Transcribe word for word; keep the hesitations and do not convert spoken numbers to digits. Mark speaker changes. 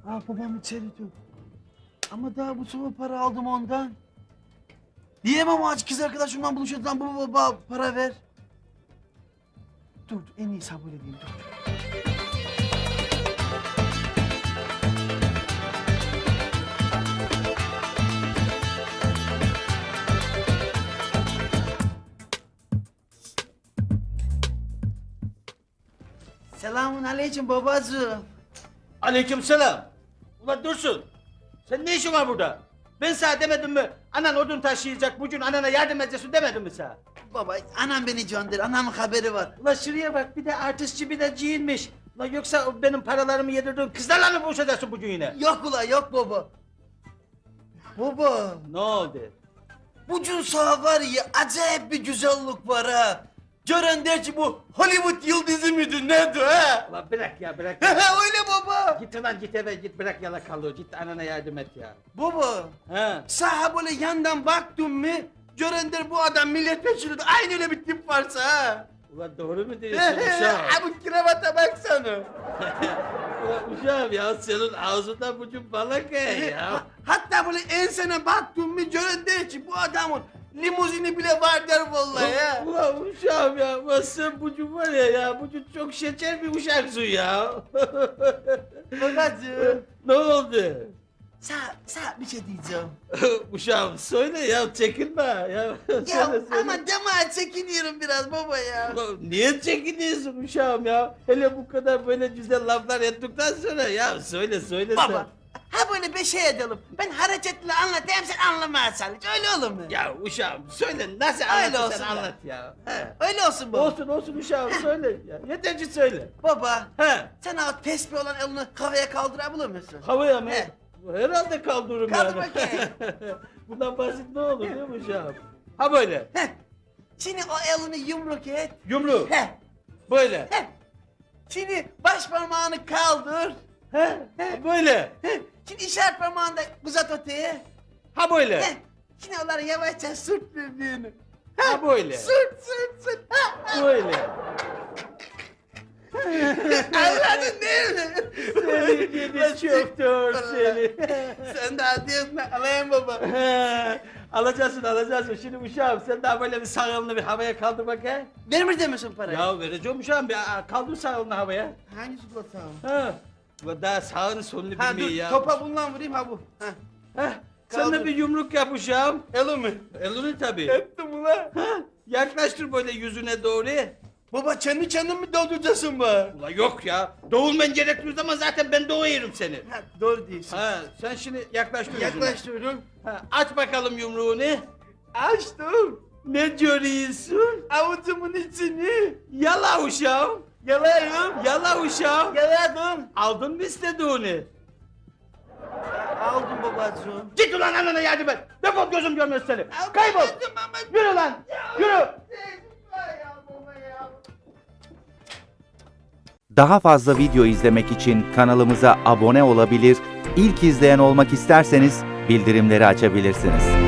Speaker 1: Aa, babam içeri dur. Ama daha bu sabah para aldım ondan. Diyemem o aç kız arkadaşımla buluşacağım. Baba baba para ver. Dur dur, en iyisi ha böyle diyeyim dur. Selamun aleyküm babacığım.
Speaker 2: Aleykümselam. Ulan Dursun, sen ne işin var burada? Ben sana demedim mi? Anan odun taşıyacak, bugün anana yardım edeceksin demedim mi sana?
Speaker 1: Baba anam beni gönder. Anamın haberi var.
Speaker 2: Ulan şuraya bak, bir de artistçi bir de giyinmiş. Ulan yoksa o benim paralarımı yedirdiğin kızlarla mı buluşacaksın bugün yine?
Speaker 1: Yok ula yok baba. Baba.
Speaker 2: Ne oldu?
Speaker 1: Bugün sağ var ya acayip bir güzellik var ha. Gören der ki bu Hollywood yıldızı mıydı nedir ha?
Speaker 2: Ulan bırak ya, bırak.
Speaker 1: Öyle baba.
Speaker 2: Git ulan git eve git, bırak yalakalığı, git anana yardım et ya.
Speaker 1: Baba.
Speaker 2: Ha.
Speaker 1: Sağa böyle yandan baktın mı? Gören der bu adam milletvekili de aynı öyle bir tip varsa ha.
Speaker 2: Ulan doğru mu diyorsun uşağım?
Speaker 1: Ha bu kravata baksana.
Speaker 2: Ulan uşağım ya, senin ağzından bugün balık ye ya.
Speaker 1: Hatta böyle ensene baktın mı gören der ki bu adamın limuzini bile var der vallahi ya.
Speaker 2: Ulan uşağım ya, ulan sen bugün var ya ya, bugün çok şeker bir uşaksın ya.
Speaker 1: Babacığım.
Speaker 2: Ne oldu?
Speaker 1: Sağ, sağ bir şey diyeceğim.
Speaker 2: Uşağım söyle ya, çekinme ya.
Speaker 1: Ya
Speaker 2: söyle, söyle.
Speaker 1: ama deme çekiniyorum biraz baba ya.
Speaker 2: Ulan niye çekiniyorsun uşağım ya? Hele bu kadar böyle güzel laflar ettikten sonra ya söyle söyle
Speaker 1: Baba, ha böyle bir şey edelim. Ben hareketle anlatayım sen anlamaya çalış. Öyle olur mu?
Speaker 2: sen. Ya uşağım söyle, nasıl
Speaker 1: Öyle
Speaker 2: anlatırsan
Speaker 1: olsun ya.
Speaker 2: anlat ya. He.
Speaker 1: Öyle olsun baba.
Speaker 2: Olsun olsun uşağım söyle ya. Yeter ki söyle.
Speaker 1: Baba,
Speaker 2: He.
Speaker 1: sen o tesbih olan elini havaya kaldırabilir misin?
Speaker 2: Havaya mı?
Speaker 1: He.
Speaker 2: Herhalde kaldırırım
Speaker 1: Kaldır
Speaker 2: yani.
Speaker 1: bakayım.
Speaker 2: Bundan basit ne olur değil mi uşağım? Ha böyle.
Speaker 1: Heh. Şimdi o elini yumruk et.
Speaker 2: Yumruğu.
Speaker 1: Heh.
Speaker 2: Böyle.
Speaker 1: Heh. Şimdi baş parmağını kaldır.
Speaker 2: He.
Speaker 1: He.
Speaker 2: Böyle.
Speaker 1: Heh. Şimdi işaret parmağını da uzat öteye.
Speaker 2: Ha böyle.
Speaker 1: Heh. Şimdi onları yavaşça sürt birbirini.
Speaker 2: Ha böyle.
Speaker 1: Sürt sürt sürt. Ha, ha.
Speaker 2: Böyle.
Speaker 1: Anladın değil mi?
Speaker 2: Seni gidi çöktür seni.
Speaker 1: Sen daha diyorsun alayım baba.
Speaker 2: He, alacaksın alacaksın. Şimdi uşağım sen daha böyle bir sağ elini bir havaya kaldır bak he.
Speaker 1: Vermir demesin parayı.
Speaker 2: Ya vereceğim uşağım bir aa, kaldır sağ elini havaya.
Speaker 1: Hangisi bu tamam?
Speaker 2: Ha. Bu daha sağını solunu
Speaker 1: Ha
Speaker 2: bilmiyor
Speaker 1: dur
Speaker 2: ya.
Speaker 1: topa bundan vurayım ha bu. Ha.
Speaker 2: Heh, sen
Speaker 1: Kaldır.
Speaker 2: de bir yumruk yap uşağım.
Speaker 1: Elimi.
Speaker 2: Elini tabii.
Speaker 1: Ettim ulan.
Speaker 2: Ha, yaklaştır böyle yüzüne doğru.
Speaker 1: Baba kendi kendin mi dolduracaksın bana?
Speaker 2: Ula yok ya. Doğulman gerektiği zaman zaten ben doğuyorum seni.
Speaker 1: Ha, doğru diyorsun.
Speaker 2: Ha, sen şimdi yaklaştır yüzüne.
Speaker 1: Yaklaştırıyorum.
Speaker 2: Ha, aç bakalım yumruğunu.
Speaker 1: Açtım.
Speaker 2: Ne görüyorsun?
Speaker 1: Avucumun içini.
Speaker 2: Yala uşağım.
Speaker 1: Yalayım.
Speaker 2: Yala uşağım.
Speaker 1: Yaladım.
Speaker 2: Aldın mı istediğini?
Speaker 1: Aldım babacığım.
Speaker 2: Git ulan anana yardım et. Defol gözüm görmez seni. Kaybol. Yürü lan. Yürü.
Speaker 3: Daha fazla video izlemek için kanalımıza abone olabilir, ilk izleyen olmak isterseniz bildirimleri açabilirsiniz.